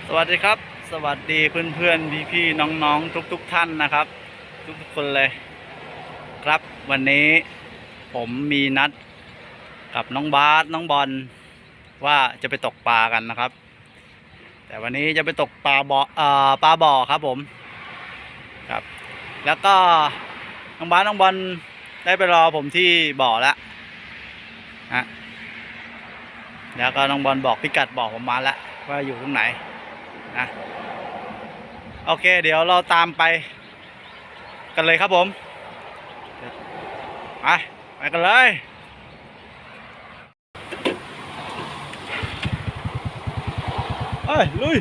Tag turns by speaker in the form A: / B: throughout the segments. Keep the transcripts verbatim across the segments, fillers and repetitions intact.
A: สวัสดีครับสวัสดีเพื่อนเพื่อนพี่พี่น้องน้องทุกทุกท่านนะครับ ทุกทุกคนเลยครับวันนี้ผมมีนัดกับน้องบาสน้องบอลว่าจะไปตกปลากันนะครับ แต่วันนี้จะไปตกปลาบ่อเอ่อปลาบ่อครับผมครับ แล้วก็น้องบาสน้องบอลได้ไปรอผมที่บ่อแล้วฮะแล้วก็น้องบอลบอกพิกัดบ่อผมมาแล้วว่าอยู่ตรงไหนนะโอเคเดี๋ยวเราตามไปกันเลยครับผมไปไปกันเลยเฮ้ยลุย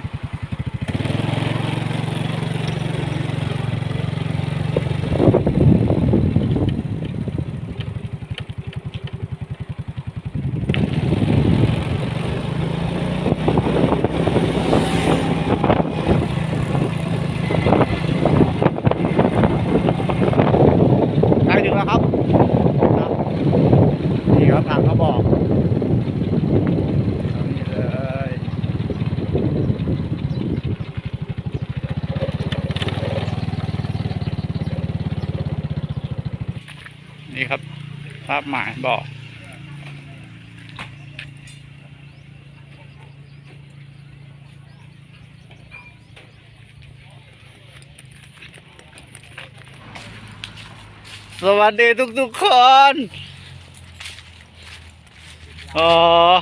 A: ใกล้ถึงแล้วครับนี่ครับทางเขาบอกนี่เลยนี่ครับภาพหมายบอกสวัสดีทุกๆคนโอ้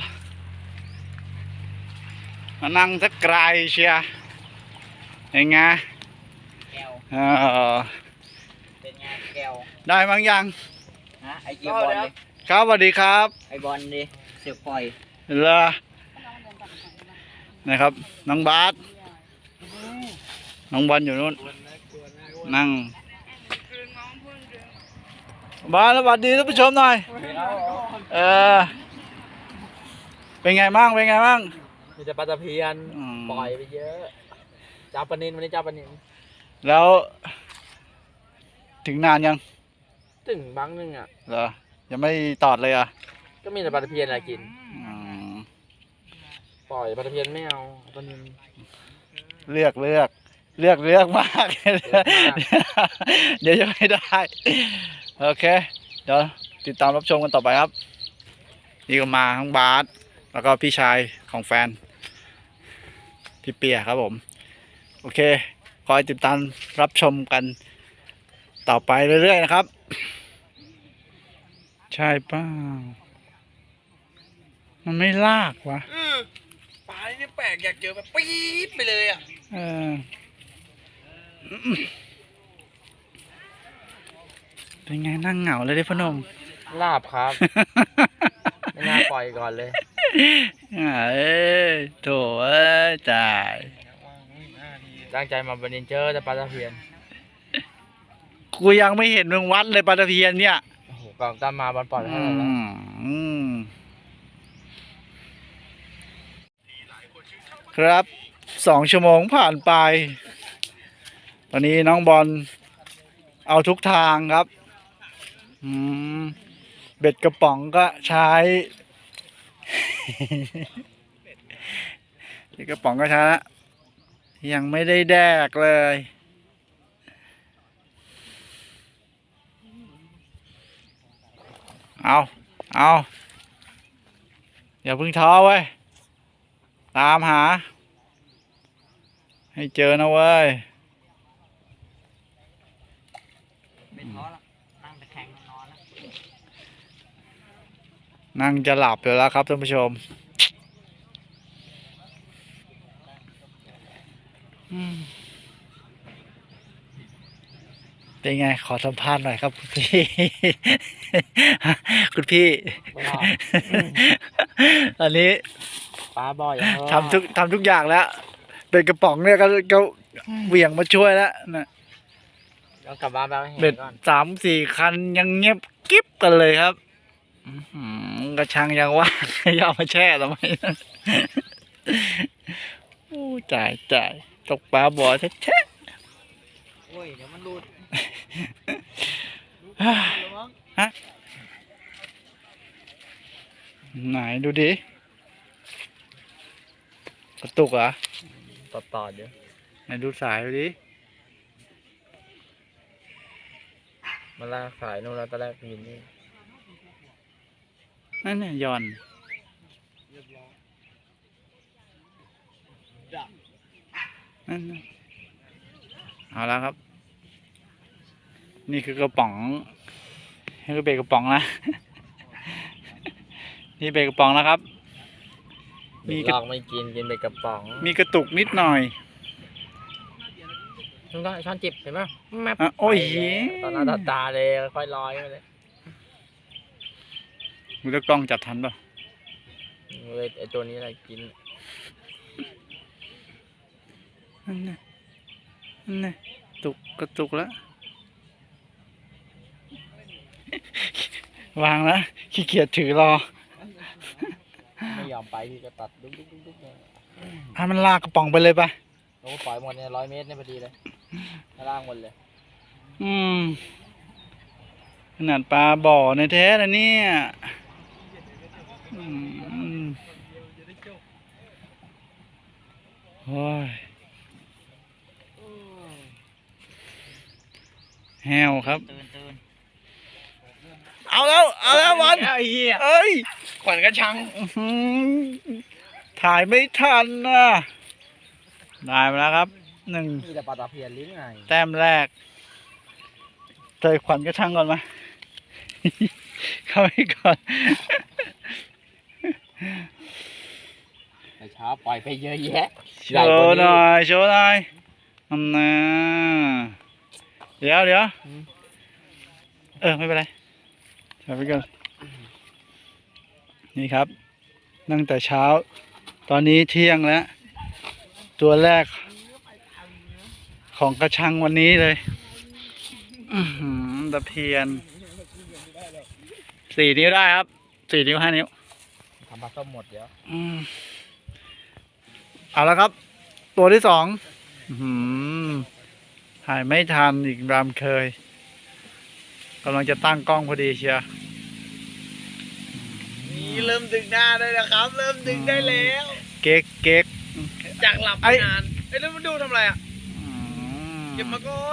A: มานั่งสักไกลเชียยังไง
B: แก้ว
A: เออ
B: เป็นไงแก้ว
A: ได้มั้งยัง
B: ฮะไอเกียบอลดิ
A: ครับสวัสดีครับ
B: ไอบอลดิเสือปล่อย
A: เหรอนะครับน้องบาสน้องบอลอยู่นู้นนั่งบาสสวัสดีท่านผู้ชมหน่อยเออเป็นไงบ้างเป็นไงบ้าง
C: มีแต่ปลาตะเพียน
A: อืม
C: ปล่อยไปเยอะจับปลานินวันนี้จับปลานิน
A: แล้ว ถึงนานยัง
C: ถึงบังนึงอ่ะ
A: เหรอยังไม่ตอดเลยอ่ะ
C: ก็มีแต่ปลาตะเพียนอะไรกิน
A: อืม
C: ปล่อยปลาตะเพียนไม่เอาปลานิน
A: เลือกเลือกเลือกเลือกมาก เดี๋ยวจะไม่ได้โอเคเดี๋ยวติดตามรับชมกันต่อไปครับนี่ก็มาทั้งบาสแล้วก็พี่ชายของแฟนพี่เปียครับผมโอเคคอยติดตามรับชมกันต่อไปเรื่อยๆนะครับใช่เปล่ามันไม่ลากวะ
C: ปลานี่แปลกอยากเจอแบบปี๊ดไปเลยอ่ะ
A: เออเป็นไงนั่งเหงาเลยเด้พนม
C: ลาบครับ ไม่น่าปล่อยก่อนเลย
A: เอ้ยโถเอ้ยจ่าย
C: ตั้งใจมาปลานินเจอแต่ปลาตะเพียน
A: กูยังไม่เห็นมึงวัดเลยปลาตะเพียนเนี่ย
C: โอ้โหกองตามมาบอลปล่อย
A: อื
C: เท่าไหร่แล้ว
A: มอืมครับสองชั่วโมงผ่านไปตอนนี้น้องบอลเอาทุกทางครับอืมเบ็ดกระป๋องก็ใช้ เบ็ดกระป๋องก็ใช้ละยังไม่ได้แดกเลยเอาเอาอย่าเพิ่งท้อเว้ยตามหาให้เจอนะเว้ย
B: ไม่ท้อละนั่งตะแคงนอนแล้ว
A: นั่งจะหลับอยู่แล้วครับท่านผู้ชมอืมเป็นไงขอสัมภาษณ์หน่อยครับคุณพี่ คุณพี่ ตอนนี้
C: ปลาบ่อยอย่าง
A: ทำทุกทำทุกอย่างแล้ว เป็นกระป๋องเนี่ยก็ก็เหวี่ยงมาช่วยแล้วนะ
C: ต้องกลับบ้านไปเอาให้
A: เบ็
C: เห็
A: ด
C: นก่อน
A: สามสี่คันยังเงียบกิ๊บกันเลยครับอื้อหือกระชังยังว่าง ยาวมาแช่ทำไม โอ้จ่ายจ่ายตกปลาบ่อแท้
B: โอ้ยเดี๋ยวมันรูด
A: ๆ ฮะไหนดูดิกระตุกเหรอ
C: ตต่อต่อเดี๋ยว
A: ไหนดูสายดูดิ
C: มาลากสายนู่นแล้วตอนแรกมีนี่
A: นั่นเนี่ยหย่อนนั่นน่ะเอาแล้วครับ นี่คือกระป๋องนี่คือเบรกกระป๋องนะ นี่เบรกกระป๋องนะครับ มี
C: มี
A: กระ
C: ลอกไม่กินกินไปกระป๋อง
A: มีกระตุกนิดหน่อย
C: มันก็ช้อนจิบเห็นไหมแมป
A: อ่ะโอ้ย
C: ไปแล้วตอนหน้าตาตาเลยค่อยลอยไปเลย
A: มือตะกล้องจับทันป่ะ
C: เว้ยไอตัวนี้อะไรกิน
A: นั่นน่ะนั่นน่ะตุกกระตุกแล้ว วางแล้วขี้เกียจถือรอ
C: ไม่ยอมไปที่ก็ตัดดุ๊กดุ๊กดุ๊กดุ๊กเลย
A: ให้มันลากกระป๋องไปเลยป่ะ
C: โอ้ปล่อยหมดเนี่ยร้อยเมตรเนี่ยพอดีเลยข้างล่างหมดเลย
A: อืมขนาดปลาบ่อในแท้นะเนี่ยอืมโอ้ยแห้วครับ
B: ตื่นตื่น
A: เอาแล้ว เอาแล้วบอล
C: ไอ้เหี้ย
A: เอ้ย
C: ขวัญกระชัง
A: อื้อหือถ่ายไม่ทันนะได้มาแล้วครับหนึ่ง
C: มีแต่ปลาตะเพียนหรือไง
A: แต้มแรกเตยขวัญกระชังก่อนมา เข้าไปก่อน
C: แต่เช้าปล่อยไปเยอะแยะ
A: โชว์หน่อยโชว์หน่อยอันน่ะเดี๋ยวเดี๋ยวเออไม่เป็นไรใส่ไปก่อนนี่ครับตั้งแต่เช้า ตอนนี้เที่ยงแล้ว ตัวแรก ของกระชังวันนี้เลยอื้อหือตะเพียนสี่นิ้วได้ครับสี่นิ้วห้านิ้ว
C: ทำปลาส้มหมดเดี๋ยว
A: อืมเอาละครับ ตัวที่สองอื้อหือถ่ายไม่ทันอีกตามเคยกำลังจะตั้งกล้องพอดีเชียว
C: นี่เริ่มดึงหน้าได้แล้วครับ เริ่มดึงได้แล้ว
A: เก๊กเก๊ก
C: จากหลับ
A: ไอ้
C: นานไอ้แล้วมันดูทำอะไรอ่ะ
A: อืม
C: เก็บมาก่อน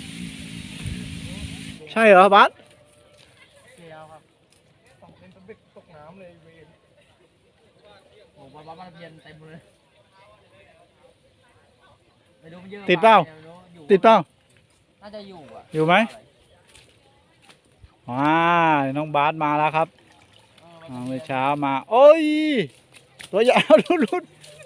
A: ใช่เหรอบัส
C: เดียวครับสองเป็นตะเบ็กตกน้ำเลยเวรโอ้โหปลาปลาตะเพียนเต็มเลยไม่รู้มันเยอะ
A: ติดเปล่า
C: ไม่รู้อยู่
A: ติดเปล่า
C: น่าจะอยู่อ่ะ
A: อยู่ไหม ว้าวน้องบาสมาแล้วครับ
C: เออ
A: อ่าเมื่อเช้ามา โอ้ย ตัวใหญ่ เอาลุ้นลุ้น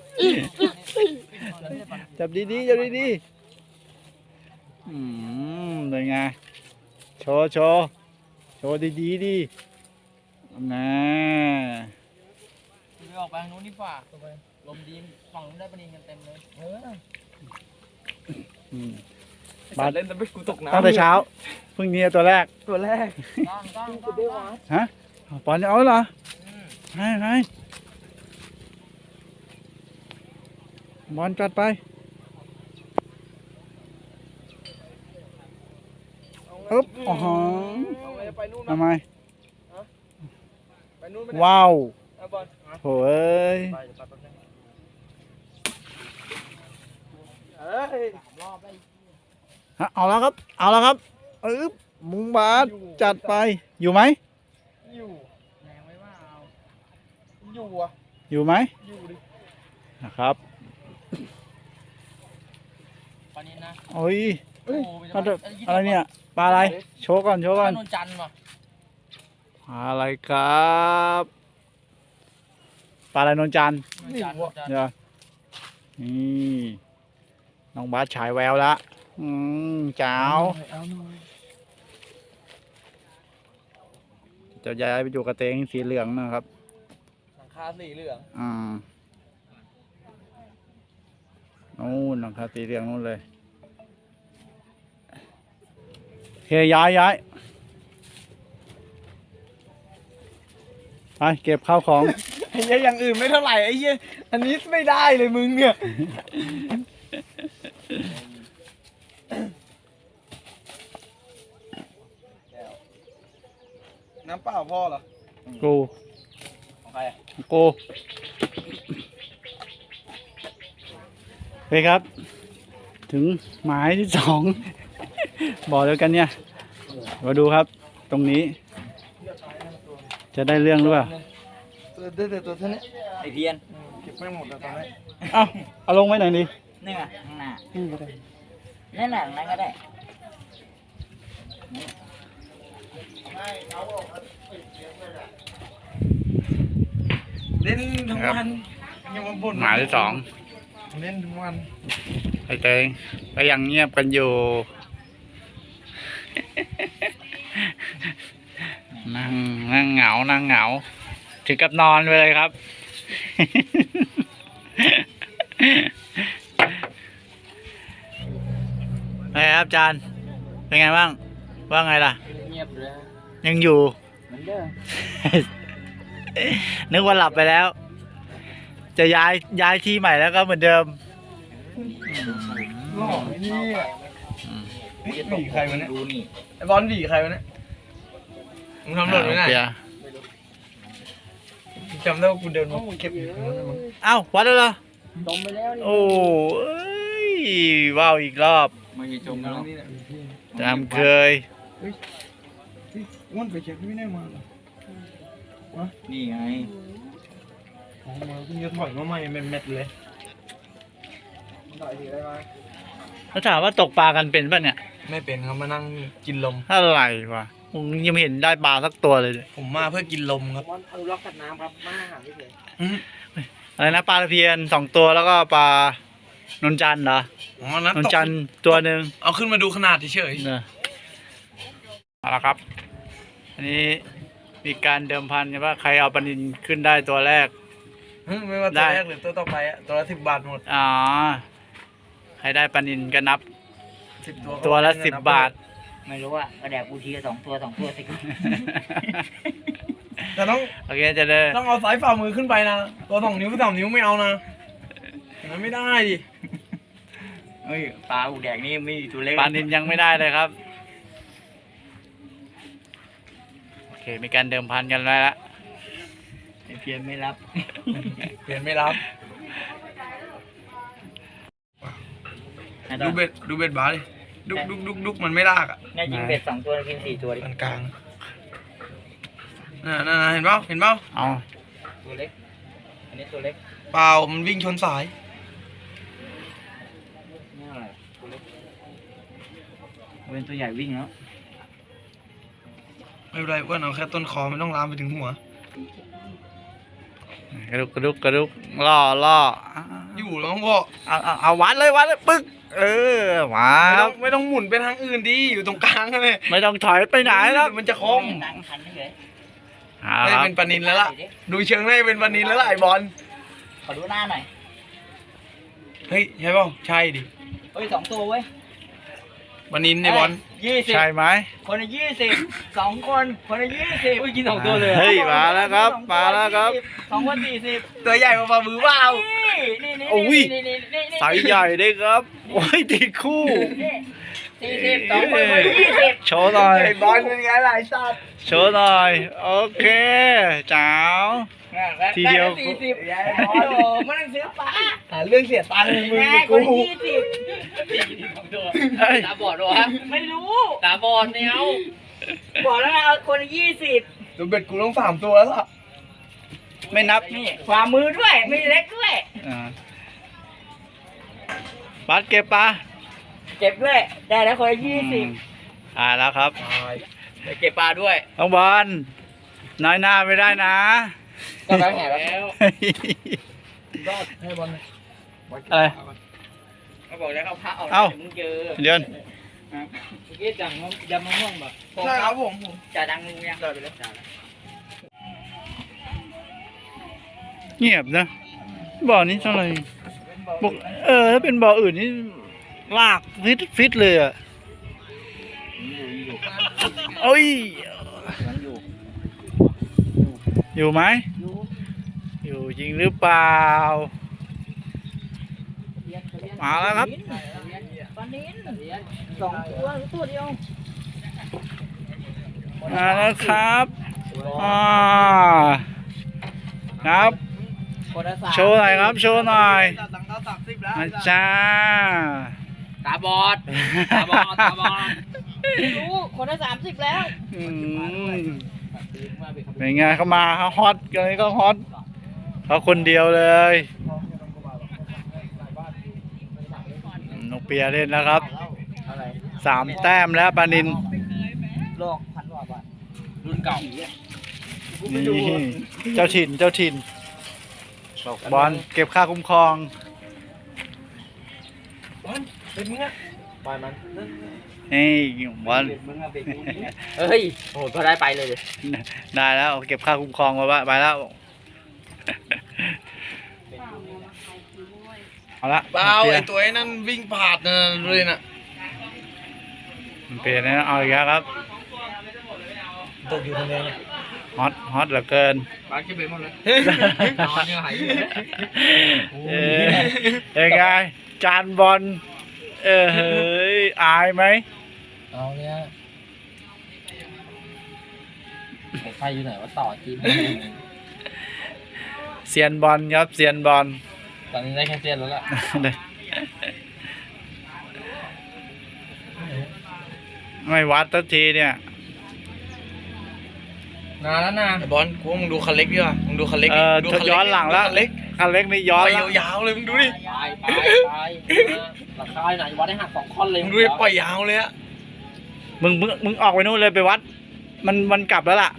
A: จับดีๆจับดีๆอืมเป็นไง โชว์โชว์โชว์ดีๆดินะ
C: ไปออกไปทางนู้นดีกว่าลมดีฝั่งนู้นได้ปลานิลกันเต็มเลยเออ
A: อืม
C: บาสเล่นตะเบ็กกูตกน้ำ
A: ตั้งแต่เช้าเพิ่งเนี่ยตัวแรก
C: ตัวแรกก้างก้างก้างก้าง
A: ฮะปอนเอาเหรอ
C: อืม
A: ให้ให้บอลจัดไปอึ๊บอ๋อ
C: เอาไงไปนู่น
A: ทำไม
C: ไปนู่น
A: ว้าว
C: เอาบอล
A: โถ่เอ้ย
C: ไปไปไปเฮ้ยสามรอบได้
A: ฮะเอาแล้วครับ เอาแล้วครับอึ๊บมุงบาสจัดไป อยู่ไหม
C: อยู่แรงไว้ว่าเอาอยู่อ่ะ
A: อยู่ไหม
C: อยู่ดิ
A: นะครับ
C: ปลานิลนะ
A: โอ้ย
C: โอ้โห
A: อะไรอะไรเนี่ย ปลาอะไร โชว์ก่อน โชว์
C: ป
A: ก่อ
C: ลาน นนจันทร์ว่ะ
A: ปลาอะไรครับ ปลาอะไรนนจันทร์
C: นนจันทร์นนจันทร์
A: เดี๋ยวนี่น้องบาสฉายแววละอืมจ้าว
C: เอาหน่อย
A: จะย้ายไปอยู่กระเตงสีเหลืองนะครับ
C: หลังคาสีเหลือง
A: อ่านู่นหลังคาสีเหลืองนู่นเลยโอเคย้ายย้ายไปเก็บข้าวของ
C: ไอ้เหี้ยอย่างอื่นไม่เท่าไหร่ไอ้เหี้ยอันนี้ไม่ได้เลยมึงเนี่ยน้ำเปล่าพ่อเหรอ
A: กู
C: ของใครอ่ะ
A: กูฮ้ยครับ ถึงหมายที่สอง บอกเดียวกันเนี่ย มาดูครับ ตรงนี้ จะได้เรื่องหรือเปล่า
C: ตัวเด็ดตัวเท่านี้
B: ไอเพียน
C: เก็บไม่หมดแล้วตอนนี้
A: เอ้าเอาลงไว้หน่อยดิ
B: นี่ไงข้างหน้า
C: นี่ก็ได้
B: นั่นน่ะนั่นก็ได้
C: เล่นทั้งวันยังมาบ่น
A: หมายที่สอง
C: เล่นทั้งวัน
A: ไอ้เตงก็ยังเงียบกันอยู่ นั่งนั่งเหงา นั่งเหงา ถึงกับนอนไปเลยครับ ไงครับอาจารย์ เป็นไงบ้าง ว่าไงล่ะ
B: เงียบเลย
A: ยังอยู่
B: เหมือนเดิม
A: นึกว่าหลับไปแล้ว จะย้ายย้ายที่ใหม่แล้วก็เหมือนเดิม
C: หล่อไอ้นี่อ่ะเฮ้ยหวีใครวะเนี่ย
B: ดูนี่
C: ไอ้บอลหวีใครวะเนี่ยมึงทำหล่นไว้ไหน
A: เปีย
C: จำได้ว่ากูเดินมาเก็บอยู่ตรงนั้นมั้ง
A: เอ้าวัดแล้วเหรอ
B: จมไปแล้วนี่
A: โอ้ยว้าวอีกรอบ
B: ไม่ใช่จมแล้ว
C: นี่แหละ
A: ตามเคย
C: อ้วนไปเช็คไม่ได้มาเหรอ
B: นี่ไง
C: ของมาเพิ่งจะถอยมาใหม่เม็ดๆเลยถอยทีได้ไหม
A: แล้วถามว่าตกปลากันเป็นป่ะเนี่ย
C: ไม่เป็นครับมานั่งกินลม
A: อะไรวะผมยังไม่เห็นได้ปลาสักตัวเลยเนี่ย
C: ผมมาเพื่อกินลมครับ
B: บอลอนุรักษ์สัตว์น้ำครับมาหาไม่เลย
A: อะไรนะปลาตะเพียนสองตัวแล้วก็ปลานนจันทร์เหรอ
C: อ๋อนั้น
A: นน
C: ตก
A: จันทร์ตัวหนึ่ง
C: เอาขึ้นมาดูขนาดเฉย
A: เนี่ยเอาละครับ อันนี้มีการเดิมพันกันว่าใครเอาปลานินขึ้นได้ตัวแรก
C: ๆฮึไม่ว่า
A: ได้
C: ตัวแรกหรือตัวต่อไปอะตัวละสิบบาทหมด
A: อ๋อใครได้ปลานินก็นับ
C: สิบตัว
A: ตัวละสิบบาท
B: ไม่รู้อ่ะก็แดกกูทีละสองตัวสองตัวสิ
C: แต่ต้อง
A: โอเคจะได้
C: ต้องเอาสายฝ่ามือขึ้นไปนะตัวสองนิ้วสามนิ้วไม่เอานะอย่างนั้นไม่ได้ดิ
B: เฮ้ยปลาอูแดกนี่ไม่มีตัวเล็ก
A: ปลานินยังไม่ได้เลยครับ โอเคมีการเดิมพันกันแล้วละ
B: ไอเพียนไม่รับ
C: เปลี่ยนไม่รับดูเบ็ดดูเบ็ดบาสดิดุกดุกดุกดุกมันไม่ลากอ่ะ
B: แน่จริงเบ็ดสองตัวกินสี่ตัวดิ
C: มันกลางน่ะน่ะน่ะเห็นเปล่าเห็นเปล่า
A: เอา
B: ตัวเล็ก อันนี้ตัวเล็ก
C: เปล่ามันวิ่งชนสาย
B: นี่อะไรตัวเล็กเป็นตัวใหญ่วิ่งแล้ว
C: ไม่เป็นไรอ้วนเอาแค่ต้นคอไม่ต้องลามไปถึงหัว
A: กระดุกกระดุกกระดุกล่อล่อ
C: อยู่แล้วก็
A: เอาเอาเอาวัดเลยวัดเลยปึ๊กเออมา
C: ไม่
A: ค
C: ต้
A: รั
C: อบ งไม่ต้องหมุนไปทางอื่นดิอยู่ตรงกลางนั่นเลย
A: ไม่ต้องถอยไปไหนแล้ว
C: มันจะคม
B: ดังพันเฉย
A: เอา
C: ไม่
A: ละครับ
C: เป็นปลานินแล้วล่ะดูเชิงได้เป็นปลานินแล้วล่ะไอ้บอล
B: ขอดูหน้าหน่อย
C: เฮ้ยใช่เปล่าใช่ดิ
B: เฮ้ยสองตัวเว้ย
C: ปลานินไอ้บอล
B: ยี่สิบ
A: ใช่ไหม
B: คนละยี่สิบสองคนคนละยี่สิบอุ้ยกินสองตัวเลย
A: เฮ้ยมาแล้วครับมาแล้วครับ
B: สองคนสี่สิบ
C: ตัวใหญ่กว่าฝ่ามือเปล่า
B: นี่นี่
A: โอ้ย
B: นี่นี่นี่นี่
A: สายใหญ่ได้ครับโอ้ยตีคู่
B: สี่สิบสองคนคนละยี่สิบ
A: โชว์หน่อย
C: ไอ้บอลเป็นไงล่ะไอ้สัตว์
A: โชว์หน่อยโอเคจ้าว ทีเดียว
B: สี่สิบโอ้โหมันต้องซื้อปลา
C: หาเรื่องเสียตังค์มึง
B: แม่
C: กับ
B: คน
C: กู
B: ละยี่สิบ
A: เฮ้ย
B: ตาบอดวะไม่รู้ตาบอดไม่เอาบอกแล้วไงเอาคนละยี่สิบ
C: ตัวเบ็ดกูต้องสามตัวแล้วล่ะ
A: ไม่นับ
B: นี่ฝ่ามือด้วยไม่เล็กด้วย
A: อ่าบัสเก็บปลา
B: เก็บด้วยได้แล้วคนละยี่สิบ
A: อ่าแล้วครับ
B: ไปเก็บปลาด้วย
A: น้องบอลน้อยหน้าไม่ได้นะ
B: ก็ไปแห่แล้ว
C: ก็ให้บอล
A: อะไร
B: เขาบอกแล้วเขาพระเอา
A: เอ้า
B: มึงเจอ
A: เดี๋ยว
B: เมื่อกี้จังยำมะม่วงแบบ
C: ใช่ครับผมผม
B: จ่าดังงูยังจ่าไปแล้วจ่า
A: เงียบนะบ่อนี้เท่าไหร่บอกเออถ้าเป็นบ่ออื่นนี่ลากฟิตฟิตเลยอ่ะ
B: อยู่อยู่
A: โอ้ย
B: ยังอยู่
A: อยู่ไหม
B: อยู่
A: อยู่จริงหรือเปล่า มาแล้วครับ
B: ปลานิ้นสองตัวหรือตัวเดียว
A: มาแล้วครับอ่าครับ
B: คนละสาม
A: โชว์หน่อยครับโชว์หน่อย
C: ตัดหลังเท้าสามสิบแล้ว
A: มาจ้า
C: ตาบอดตาบอดตาบอด
B: รู้คนละสามสิบแล้ว
A: อืมเป็นไงเขามาเขาฮอตกันนี้ก็ฮอตเขาคนเดียวเลยนกเปียเล่นแล้วครับ
C: อะไร
A: สามแต้มแล้วปานิน
C: โลกพันกว่าบาทรุ่นเก่า
A: นี่เจ้าถิ่นเจ้าถิ่นบอกบอลเก็บค่าคุ้มครอง
C: เป็นมึงอะปล่อยมัน
A: นี่บอล
C: มึงอะเบรกเฮ้ยโอ้โหพอได้ไปเลยเลย
A: ได้แล้วเก็บค่าคุ้มครองมาว่าไปแล้วเอาละ
D: เปล่าไอตัวไอ้นั่นวิ่งผ่านนะเลยน่ะ
A: มันเปลี่ยนนะเอาอีกแล้วครับ
C: ตกอยู่คนเดียวเนี่ย
A: ฮอตฮอตเหลือเกิน
C: ปลาเก็บไปหมดเลยนอนยังหายอยู่เลย
A: เออยังไงจานบอลเออเฮ้ยอายไหม
C: เอาเนี่ยไฟอยู่ไหนว่าต่อจีน
A: เซียนบอลครับเซียนบอล
C: ตอนนี้ได้แค่เซียนแล้วล่ะ
A: ไม่วัดสักทีเนี่ย
C: นานแล้วนะ
D: ไอบอลกูว่ามึงดูคันเล็กดีกว่ามึงดูคันเล็ก
A: เอ
D: ดิ
A: อ
D: ดู
A: ถ้า
D: คัน
A: ย้อนหลังแล้ว
D: คันเล็ก
A: คันเล็กนี่ย้อน
D: ไป
A: แล้ว
D: ยาวๆเลยมึงดูดิ
C: ไปไปไปราคาไหนวัดได้หักสองท่อนเลย
D: มึงดูดิปล่อยยาวเลยอะ
A: มึงมึงมึงออกไปนู่นเลยไปวัด มันมันกลับแล้วล่ะ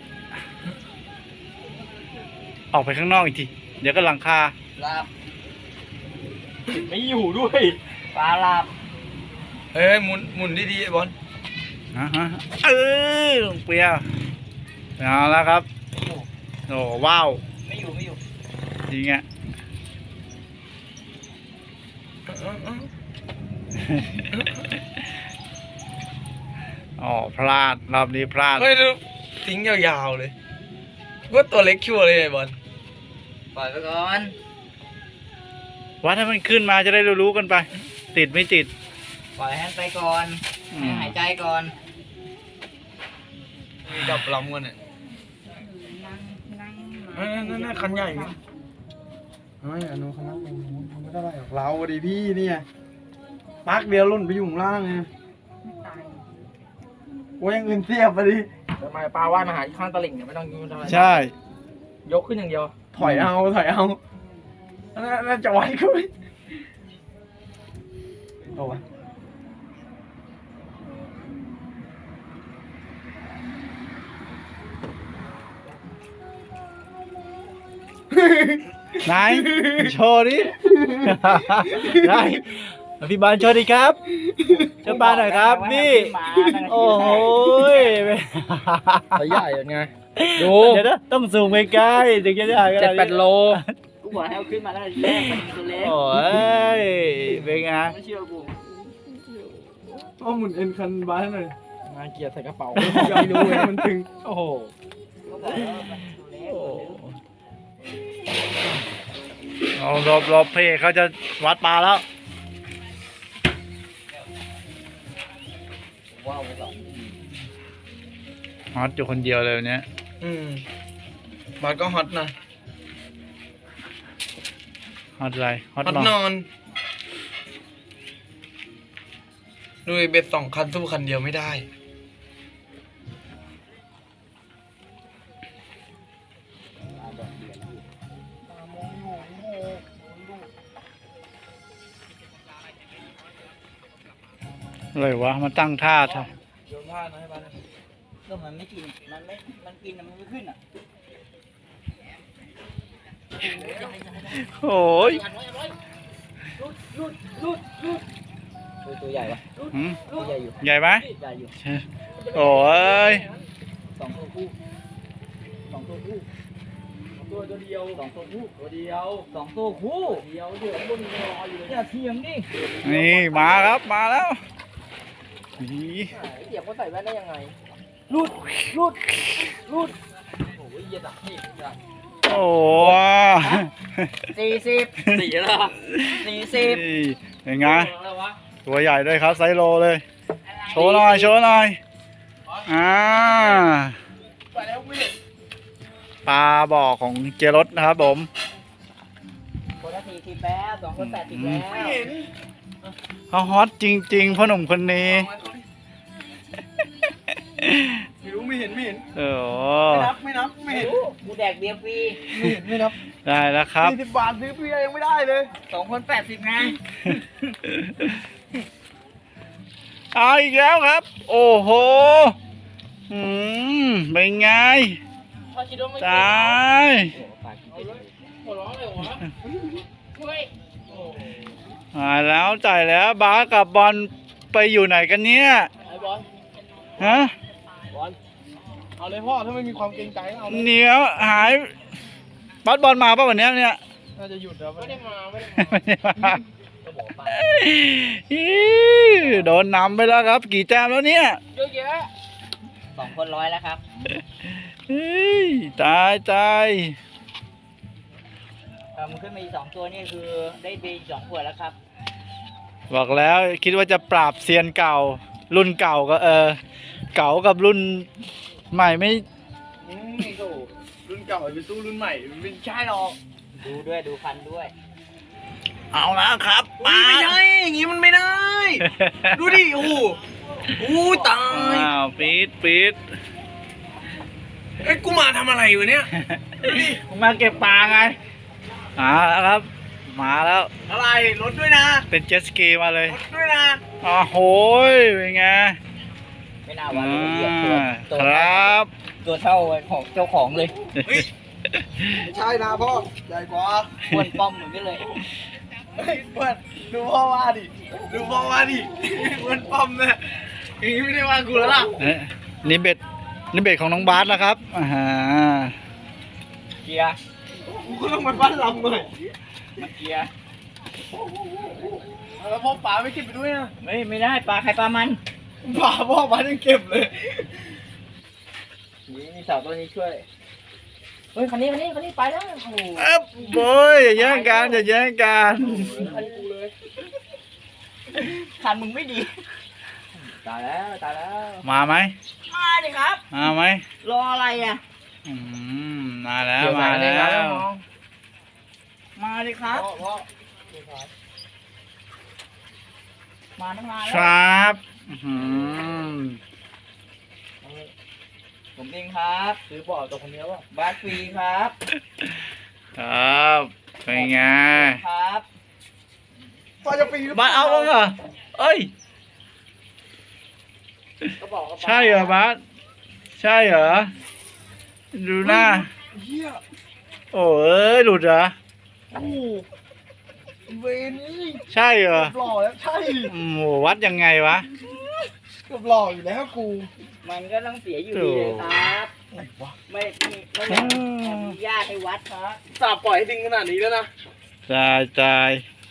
A: ออกไปข้างนอกอีกทีเดี๋ยวก็หลังคา
C: ลาบไม่อยู่ด้วยปลาลาบ
D: เฮ้ยหมุนหมุนดีๆไอบอล
A: อ่าฮะเออลงเปียเอาแล้วครับโอ้ว้าว
C: ไม่อยู่ไม่อยู่
A: จริงอ่ะ อ๋อพลาดรอบนี้พลาด
D: เฮ้ยดูทิ้งยาวๆเลยว่าตัวเล็กชัวร์เลยไอบอล
C: ปล่อยไปก่อน
A: วัดให้มันขึ้นมาจะได้รู้ๆกันไป ติดไม่ติด
C: ปล่อยให้ไปก่อน
A: อื
C: ให้
A: ม
C: หายใจก่อน
D: กับลำกันเนี่ยนั่นนั่นคันใหญ่เนี่ย
E: ไม่อนุคณะมันไม่ได้อะไรหรอกเราดิพี่เนี่ยปักเดียวหล่นไปอยู่ข้างล่างไงโอ้ยยังอื่นเสียบไปดิ
C: ทำไมปลาว่ายมาหาที่ข้างตลิ่งเนี่ยไม่ต้องยืนทำอะไร
A: ใช่
C: ยกขึ้นอย่างเดียว
E: ถอยเอาถอยเอาน่าน่าจะไหวก็ไม่เอาวะ
A: ไหนโชว์ดิ ไหนพี่บอลโชว์ดิครับโชว์ปลาหน่อยครับนี่โอ้โหย
C: ตัวใหญ่ไง ดู
A: เดี๋ยวนะต้องซูมใกล้ๆถึงจะได้
C: เจ็ดแปดโล
B: กูบอกให้เอาขึ้นมาแล้วแรกมันตัวเล็ก
A: โอ้ยเป็นไง
B: ไม่เชื่อกู
E: เอาหมุนเอ็นคันบ้านหน่อย
C: มาเกียร์ใส่กระเป๋า
E: ไม่รู้เลยมันตึง
C: โอ้โห
B: ก็บอกว่ามันตัวเล็ก
A: เอารอบรอบเพเขาจะวัดปลาแล้ว
C: ว้าวไปสอง
A: ฮอตอยู่คนเดียวเลยวันเนี้ย
D: อืมบอลก็ฮอตนะ
A: ฮอตอะไรฮอต
D: ฮอต
A: นอน
D: นอนดูไอ้เบ็ดสองคันสู้คันเดียวไม่ได้
A: อะไรวะมาตั้งท่าท่า
D: โยนผ้านะให้บ้าน
B: ก็มันไม่กิน มันไม่ มันกินอะมันไม่ขึ้นอ่ะ
A: โอ้ย
C: ตัวตัวใหญ่ปะ
A: หืม
C: ตัวใหญ่อยู่
A: ใหญ่ไหม
C: ใหญ่อยู่
A: โอ้ย
C: สองตัวคู่สองตัวคู่ตัวตัวเดียวสองตัวคู่ตัวเดียวสองตัวคู่เดียวเดี๋ยวบนรออยู่เลยอย่าเทียมดิ
A: นี่มาครับมาแล้วนี่
C: เทียมเขาใส่แว่นได้ยังไงรูดรูดรูดโอ้ยเย็นอ่ะนี่
A: โอ้
B: สี่สิบ
C: สี่แล้ว
B: สี่สิบ
A: นี่เป็นไง
C: แล้ววะ
A: ตัวใหญ่ด้วยครับไซส์โลเลย โชว์หน่อยโชว์หน่อยอ่า
C: ไปแล้วไม่
A: ปลาบ่อของเจรสนะครับผม
B: คนละทีสิบแล้วสองคนแปดสิบแล้ว
E: ไม่เห็น
A: เขาฮอตจริงๆพ่อหนุ่มคนนี้
E: ไม่รู้ไม่เห็นไม่เห็น
A: โอ้โห
E: ไม่นับไม่นับไม่เห็น
B: กูแดกเบียร์ฟรี
E: ไม่เห็นไม่นับ
A: ได้แล้วครับ
E: สี่สิบบาทซื้อเบียร์ยังไม่ได้เลย
B: สองคนแปดสิบไง
A: เอาอีกแล้วครับ โอ้โหอืมเป็นไง
B: พอคิดว่าไม่
A: ตาย
B: หัวร้อนเลยวะช่วย
A: มาแล้วจ่ายแล้วบาสกับบอลไปอยู่ไหนกันเนี่ย
B: ไอ้บอล
A: ฮะ
B: บอล
E: เอาเลยพ่อถ้าไม่มีความเกรงใจก็เอาเลย
A: เหนียวหายบาสบอลมาป่ะวันเนี้ยเนี่ย
E: น่าจะหยุดแล้ว
B: ไม่ได้มาไม่ได้
A: ไม่ได้มา
B: ก็บอกไป
A: อี๋โดนนำไปแล้วครับ กี่แต้มแล้วเนี่ย
B: เยอะแยะสองคนร้อยแล้วครับ
A: เฮ้ยตายตาย
B: เออมันขึ้นมาอีกสองตัวนี่คือได้เบย์อีกสองขวดแล้วครับ
A: บอกแล้วคิดว่าจะปราบเซียนเก่า รุ่นเก่าก็เออ เก่ากับรุ่นใหม่ไม่
E: อืมโถ่รุ่นเก่าไปสู้รุ่นใหม่มันไม่ใช่หรอก
B: ดูด้วยดูพันด้วย
A: เอาแล้วครับ
E: อุ๊ยไม่ใช่อย่างงี้มันไม่ได้ ดูดิโอ้โหอู้ตาย
A: อ้าวปี๊ดปี๊ด
E: เอ้ยกูมาทำอะไรอยู่เนี่ย
A: มาเก็บปลาไงมาแล้วครับ มาแล้ว
E: อะไรรถด้วยนะ
A: เป็นเจ็ตสกีมาเลย
E: รถด้วยนะ
A: อ๋อโหยเป็นไง
B: ไม่น่าว่า
A: อ่
B: จะเหยียบตัว
A: า
B: ตัว
A: ครับ
B: ตัวเท่าของเจ้าของเลย
E: เฮ้ยไม่ใช่นะพ่อใหญ่กว่า
B: อ้วนป้อมเหมือนกันเลย
E: เฮ้ยเพื่อนดูพ่อว่าดิดูพ่อว่าดิเพื่อนปั๊มเนี่ยอย่างงี้ไม่ได้ว่ากูแล้วล่ะ
A: เอ๊ะนี่เบ็ดนี่เบ็ดของน้องบาสนะครับอ่าฮะ
B: เกียร์
E: กูก็ต้องมาบ้านลำหน่อย
B: มาเกียร์
E: แล้วพ่อป๋าไม่เก็บไปด้วยนะ
B: ไม่ไม่ได้ปลาใครปลามัน
E: ป๋าพ่อป๋ายังเก็บเลย
B: นี่มีเสาตัวนี้ช่วย เฮ้ยคันนี้คันนี้คันนี้ไปแล้วโอ้โห
A: เอ๊บโว้ยอย่าแย่งกันอย่าแย่งกัน
B: คันกูเลยคันมึงไม่ดี ตายแล้วตายแล้ว
A: มาไหม
B: มาดิครับ
A: มาไหม
B: รออะไรอ่ะ
A: อืมมาแล้วมาแล้ว
B: มาดิครับ
E: พ่อพ่อ
B: มาตั้งนาน
A: ค
B: แล้ว
A: รับอื้อหือ
B: ผมเองครับ
E: ซื้อบ่อตัวคนเดียวอ่ะ
B: บาสฟรีครับ
A: ครับเป็นไง
B: ครับ
E: พ่อจะปีน
A: บาสเอาบ้างเหรอเอ้ย
B: ก็บอกว่า
A: ใช่เหรอบาสใช่เหรอดูหน้า
E: เฮีย
A: โอ้เอ้ยหลุดเหรอ
E: โอ้โหเวรนี่
A: ใช่เหรอ
E: เกือบหล่อแล้วใช่
A: อืมโหวัดยังไงวะ
E: เกือบหล่ออยู่แล้วกู
B: มันก็ต้องเสียอยู่ดีเลยครับ
E: ไหนวะ
B: ไม่ไม่ไม่อยากอนุญาตให้วัดครับ
E: สาบปล่อยให้ดึงขนาดนี้แล้วนะ
A: ตายตาย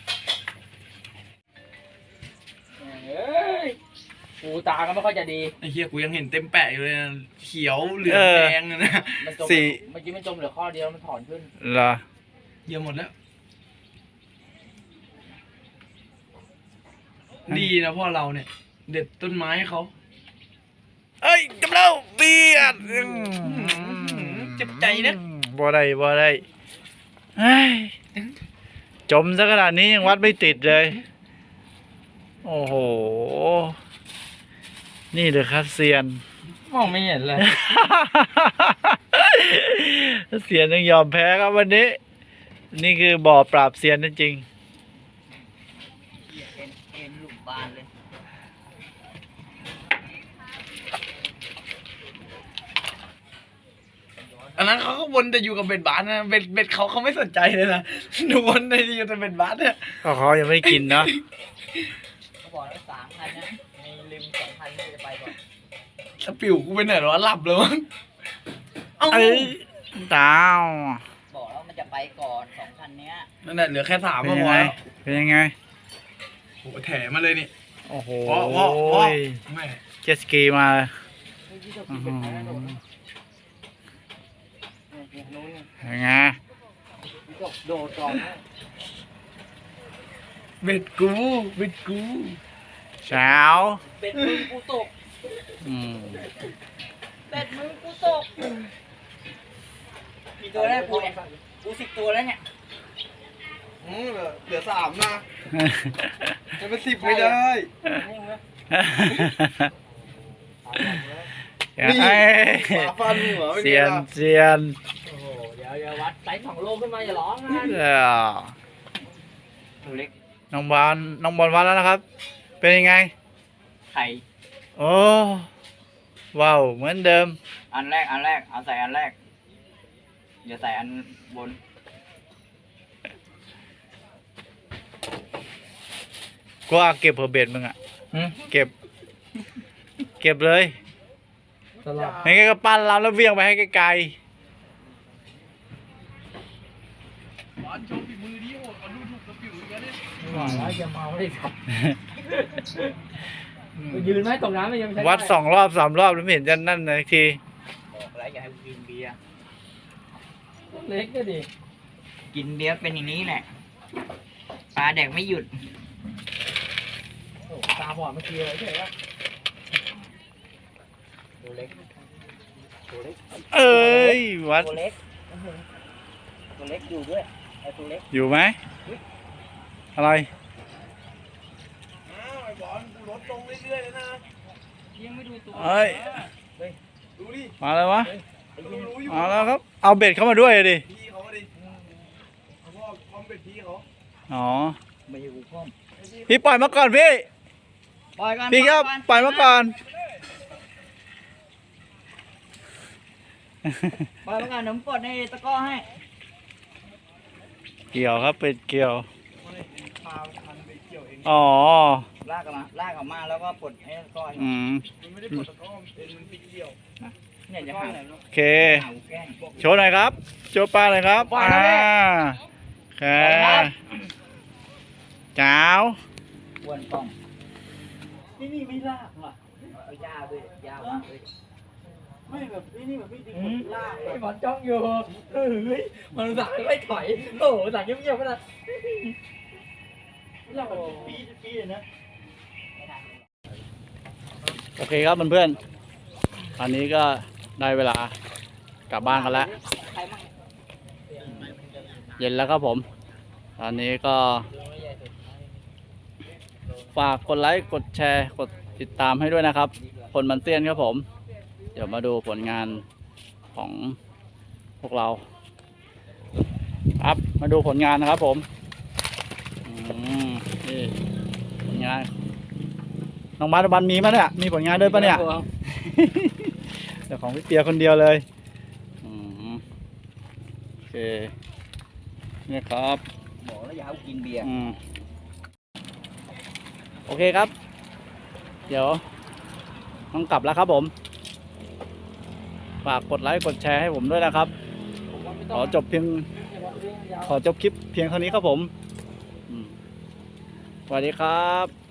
B: เฮ้ยกูตาก็ไม่ค่อยจะดี
E: ไอ้เฮียกูยังเห็นเต็มแปะอยู่เลยนะเขียวเหลืองแดงนะ
B: มันจม
A: สี่
B: เมื่อกี้มันจมเหลือข้อเดียวมันถอนขึ้น
A: เหรอ
E: เยี่ยมหมดแล้ว ดีนะพ่อเราเนี่ย เด็ดต้นไม้ให้เขา
A: เอ้ยกำลังเบียด
E: เจ็บใจนะ
A: บ่ได้บ่ได้เฮ้ยจมซะขนาดนี้ยังวัดไม่ติดเลย โอ้โห นี่เลยครับเซียน
B: มองไม่เห็นเลย
A: เซียนยังยอมแพ้ครับวันนี้ นี่คือบ่อปราบเซียนจริง
B: เอ็นเอ็นหลุมบานเลย
E: อันนั้นเขาก็วนแต่อยู่กับเบ็ดบาสนะเบ็ดเบ็ดเขาเขาไม่สนใจเลยนะดูวนแต่อยู่แต่เบ็ดบาสเนี่ย
A: ๆก็เขายังไม่ได้กินเนาะ
B: เขาบอกแล้วสามพันนะมีลืมสองพันที่จะไปก่อน
E: สปิวกูไปไหนหรอหลับเลยมั้งเอ้า
A: เอ้ยดาว
B: บอกแล้วมันจะไปก่อนสองพันเนี้ย
E: นั่นแหละเหลือแค่สาม
A: เป็น
E: ก็
A: ยัง
E: พอ
A: ไง
E: แล้ว
A: เป็นยังไง
E: โอ้โหแถมาเลยนี่
A: โอ้โห
E: พ่อพ่อพ่อแม่
A: เจ็ตสกีมา
B: เฮ้ยที่เรากินเป็นไงนะโดดนะเนี่ยเนี่ยนู้นเนี่ย
A: เป็นไง
B: ที่เราโดดก่อนนะ
E: เบ็ดกูเบ็ดกู
A: เช้า
B: เป็ดมึงกูตก
A: อืม
B: เป็ดมึงกูตกกี่ตัวแล้วกูเนี่ยกูสิบตัวแล้วเนี่ย
E: อืมเลยสามนะจะเป็นสิบไม่ได้ นี่
A: ไอ้
E: หมาฟันหัวไม่
A: เซี
E: ดี
A: ยน
E: นะ
A: เซียน
B: โอ้โหเดี๋ยวเดี๋ยววัดไซส์สองโลขึ้นมาอย่าร้องนะ
A: เออ
B: ตัวเล็ก
A: น้องบอลน้องบอลวัดแล้วนะครับ เป็นยังไง
B: ไข่
A: โอ้ว้าวเหมือนเดิม
B: อันแรกอันแรกเอาใส่อันแรกอย่าใส่อันบน
A: กูว่าเก็บเพอร์เบดมึงอ่ะเก็บ เก็บเลย
C: ตลอด
A: ไม่งั้นก็ปั้นลำแล้วเวียงไปให้ไกล
E: บอลโชว์ฝีมือดิโอ้เขาดูถูกกระปิวอีกแล้วเนี่ย
C: ไม่ไหวแล้วจะเมาไม่ได้ขับไปยืนไหมตรงนั้นไม่ยังไม่ใช่
A: ๆวัดสองรอบสามรอบแล้วไม่เห็นจะนั่นเลยที
B: บอกแล้วอย่าให้กูกินเบียร์
C: เล็กก็ดิ
B: กินเบียร์เป็นอย่างนี้แหละปลาแดกไม่หยุด
C: โอ้ตาบอดเมื่อกี้เลยใช่ไหม
B: ตัวเล็กตัวเล็ก
A: เอ้ยวัด
B: ตัวเล็กตัวเล็กอยู่ด้วยไอ้ตัวเล็ก
A: อยู่ไหมอะไร
E: อ้าวไอ้บอลกูลดลงเรื่อยๆแล้วนะ
B: ยังไม่ดูตัว
A: เอ้ย
E: ดูดิ
A: มาแล้ววะ
B: ไอ้
E: กู
B: ยิน
E: รู้อยู่
A: มาแล้วครับ เอาเบ็ดเข้ามาด้วยดิ
E: พี่เขาดิเขาบอกพร้อมเป็นพี่เขา
A: อ๋อ
B: ไม่อยู่พ่อม
A: พี่ปล่อยมาก่อนพี่
B: ปล่อยกัน
A: พี่ครับ
B: ก่อน
A: ปล่อยมาก่อน
B: ปล่อยมาก่อนเดี๋ยวผมปลดในตะกร้อให้
A: เกี่ยวครับเป็ดเกี่ยว
E: พาพันไปเกี่ยวเอง
A: อ๋อ
B: ลากออกมาลากออกมาแล้วก็ปลดให้ตะกร้อให้
A: อืม
E: มันไม่ได้ปลดตะกร้อมันเป็นมันปิดเกี่ยว
B: เนี่ยจะหา
A: โอเค
B: หาแกล้ง
A: โชว์หน่อยครับ โชว์ปลาหน่อยครับ
B: ปล่อยแล้วพี่
A: อ่าโอเค
B: ปล่อยครับ
A: จ้าว
B: อ้วนกล้องนี่นี่ไม่ลากว่ะเอายาด้วยยาวางด้วย
E: ไม่แบบนี่นี่แบบไม่ดึงลาก
C: ไอ้บอลจ้องอยู่เฮ้ยมันสั่งไม่ถอยโอ้โหสั่งเงียบๆก็ได้
E: ลากแบบปีปีเลยนะ
A: โอเคครับเพื่อนๆตอนนี้ก็ได้เวลากลับบ้านกันแล้ว
B: ใครมั่ง
A: เย็นแล้วครับผม ตอนนี้ก็ ฝากกดไลค์ กดแชร์ กดติดตามให้ด้วยนะครับ คนมันเตี้ยนครับผม เดี๋ยวมาดูผลงานของพวกเรา ครับ มาดูผลงานนะครับผมอืมนี่ผลงาน น้องบาสบันมีมั้ยเนี่ย มีผลงานด้วยปะเนี่ย แต่ของพี่เปียคนเดียวเลยอืมโอเค นี่ครับ
B: บอกแล้วอย่าเอากินเบียร์
A: อืมโอเคครับ เดี๋ยวต้องกลับแล้วครับผม ฝากกดไลค์ กดแชร์ให้ผมด้วยนะครับ ขอจบเพียง ขอจบคลิปเพียงเท่านี้ครับผมอืมสวัสดีครับ